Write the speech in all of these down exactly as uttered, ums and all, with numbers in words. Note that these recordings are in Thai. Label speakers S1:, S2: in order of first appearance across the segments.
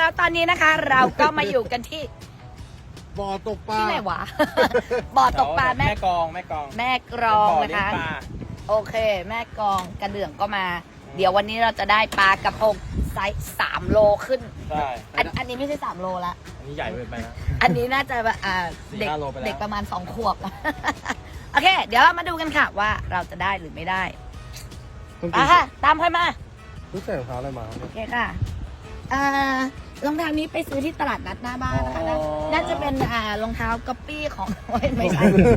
S1: แล้วตอนนี้นะคะ เราก็มาอยู่กันที่
S2: บ่อตกปลา
S1: ที่ไหนวะ บ่อตกปลาแม่
S3: แม่กองแม่กอง
S1: แม่กรอง
S3: บ่อ
S1: นะ
S3: เลี้ย
S1: คะ
S3: งปลา
S1: โอเค แม่กรองกระเดื่องก็มา เดี๋ยววันนี้เราจะได้ปลากระพงไซส์สามโลขึ้น
S3: ใช่
S1: อันอันนี้ไม่ใช่สามโลละ
S3: อันนี้ใหญ่เกินไปนะ
S1: อันนี้น่าจะแบบอ่า
S3: สี่
S1: เด็ก
S3: ห้าโลไปแล้ว
S1: เด็กประมาณสองขวบ โอเค เดี๋ยวเรามาดูกันค่ะว่าเราจะได้หรือไม่ได้
S2: ต้อง
S1: อ่ะค่ะ ตามค่อยมา
S2: รู้ใส่รองเท้าอะไรมา
S1: โอเคค่ะอ่ารองเท้านี้ไปซื้อที่ตลาดนัดหน้าบ้านนะคะน่าน่าจะเป็นอ่ารองเท้าก๊อปปี้ของ โอ้ยไม่ใช่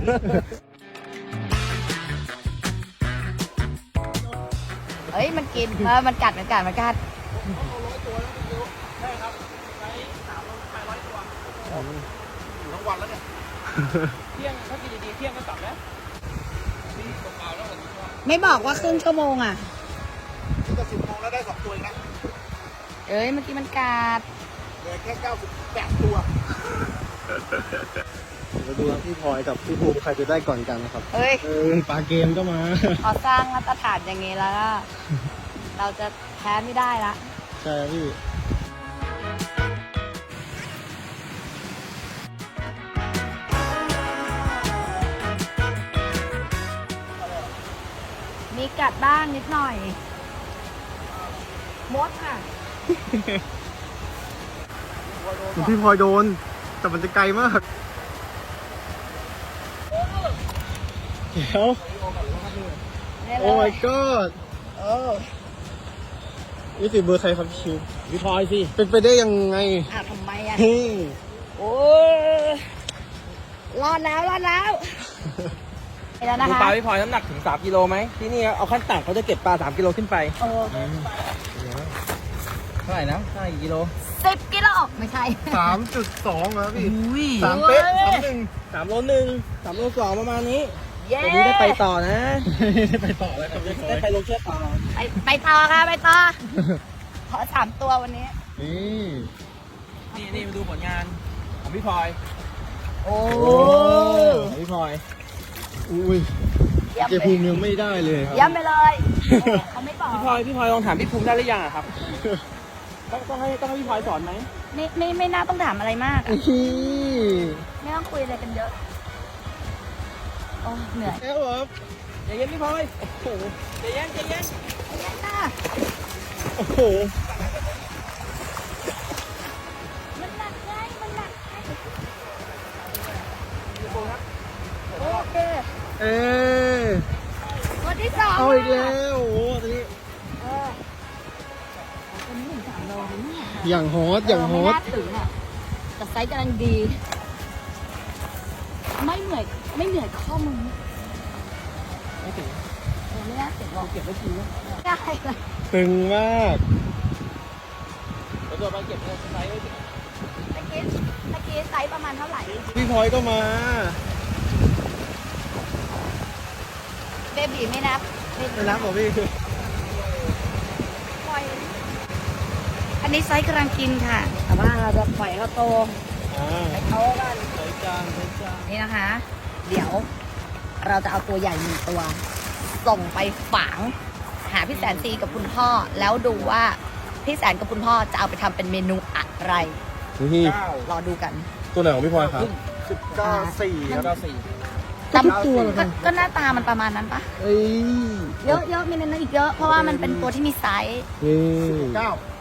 S1: เฮ้ย มันกินเออมันกัด มันกัด มันกัด
S2: อยู่ทั้งวันแล้วเนี่ย
S3: เที่ยงถ้ากินดีๆเที่ยงก็กลับแล้ว
S1: ไม่บอกว่าครึ่งชั่วโมงอ่ะ
S2: นี่ก็สิบโมงแล้วได้สองตัวเองนะ
S1: เอ้ย เมื่อกี้มันกัด
S2: เหลือแค่เก้าสิบแปดตัวมาดูพี่พลอยกับพี่ภูมิใครจะได้ก่อนกันนะครับ
S1: เฮ้ย
S2: เออปลาเกมก็มา
S1: พอสร้างมาตรฐานอย่างนี้แล้วก็เราจะแพ้ไม่ได้ละ
S2: ใช่พี่
S1: มีกัดบ้างนิดหน่อยมดค่ะ
S2: พี่พลอยโดน แต่มันจะไกลมากเดี๋ยวโอ้ my god
S1: โอ้
S2: นี่สิเบอร์ใครครับพี่ชิว
S3: พี่พลอยสิ
S2: เป็นไปได้ยังไง
S1: อ่ะทำไมอ่ะ
S2: เฮ้ย
S1: โอ้รอดแล้วรอดแล้วไปแล้วนะ
S3: ดู
S1: คะ
S3: ปลาพี่พลอยน้ำหนักถึงสามกิโลไหมที่นี่เอาขั้นต่ำเขาจะเก็บปลาสามกิโลขึ้นไป
S1: โอ้
S3: เท่าไหร่นะเท่าไหร่กิโล
S1: สิบกิโลไม่ใช่
S2: สามจุดสองครับพี่
S3: อุ้ย
S2: สามเป๊ะสามหนึ่ง
S3: สามโลหนึ่งสามโลสองประมาณนี้
S1: เย้
S3: วันนี้ได้ไปต่อนะ
S2: ได้ไปต่อแล้วครับพี่พลอ
S3: ได้
S2: ย
S3: ไปลงเชือกต่อ
S1: ไปไปต่อค่ะไปต่อ ขอสามตัววันนี้
S2: นี่
S3: นี่นี่มาดูผลงานของพี่พลอย
S1: โอ้
S3: ของพี่พลอย
S2: อุ้ย
S1: เยี่ยม
S2: เจ
S1: ไป
S2: ภูมิยังไม่ได้เลยครับ
S1: เยี่ยมไปเลยเขาไม่บอก
S3: พี่พลอยพี่พลอยลองถามพี่ภูมิได้หรือยังอะครับ ต้องต้องให้ต้องให้พี่พลอยสอนไหม
S1: ไม่ไม่ไม่น่าต้องถามอะไรมากอะ
S2: นี่
S1: ไม่ต้องคุยอะไรกันเยอะโอ้เหนื่อย
S2: แล้วครับ
S3: ใจเย็นพี่พลอยโอ้โหใจเย็นใจเย็น
S1: เย็นค่ะ
S2: โอ้โห
S1: มันหนักไงมันหนักไงโอเค
S2: เอ๊ะ
S1: วันที่สอง
S2: เอาอีกแล้วโอ้โหตอนนี้
S1: เออวันนี้ถึงสามโลเลยเนี่ย
S2: อย่างฮอตอย่างฮอ
S1: ไม่
S2: ต
S1: น่าถึงอ่ะแต่ไซส์กำลังดี ไม่เหนื่อยไม่เหนื่อยข้อมือ
S3: ไม่ถึง
S1: เออไม่น่าถึงหรอก
S3: เก็บไว้กินนะ
S1: ได้เลย
S2: ตึงมาก
S3: เดี๋ยวตัวไปเก็บไว้ไว้
S1: ตะกี้ตะกี้ไซส์ประมาณเท่าไหร่
S2: พี่พลอยก็มา
S1: เบบีไม่นับ
S2: ไม่รับเหรอพี่
S1: ปล่อยอันนี้ไซส์กำลังกินค่ะ แต่ว่าเราจะปล่อยเขาโต
S2: อ่า
S1: ไปโตกัน
S2: ใส่จานใส่จาน
S1: นี่นะคะ เดี๋ยวเราจะเอาตัวใหญ่หนึ่งตัว ส่งไปฝัง หาพี่แสนซีกับคุณพ่อ แล้วดูว่าพี่แสนกับคุณพ่อจะเอาไปทำเป็นเมนูอะไร
S2: นี่
S3: เก้าร
S1: อดูกัน
S2: ตัวไหนของพี่พลอยครับ
S3: สิบเก้าสี่แล้วก็สี่
S1: แต่
S2: ทุกตัวเหรอครับ
S1: ก็หน้าตามันประมาณนั้นปะ
S2: เอ้ย
S1: เยอะเยอะมีในนั้นอีกเยอะ เพราะว่ามันเป็นตัวที่มีไซส์
S2: นี่
S3: เก้า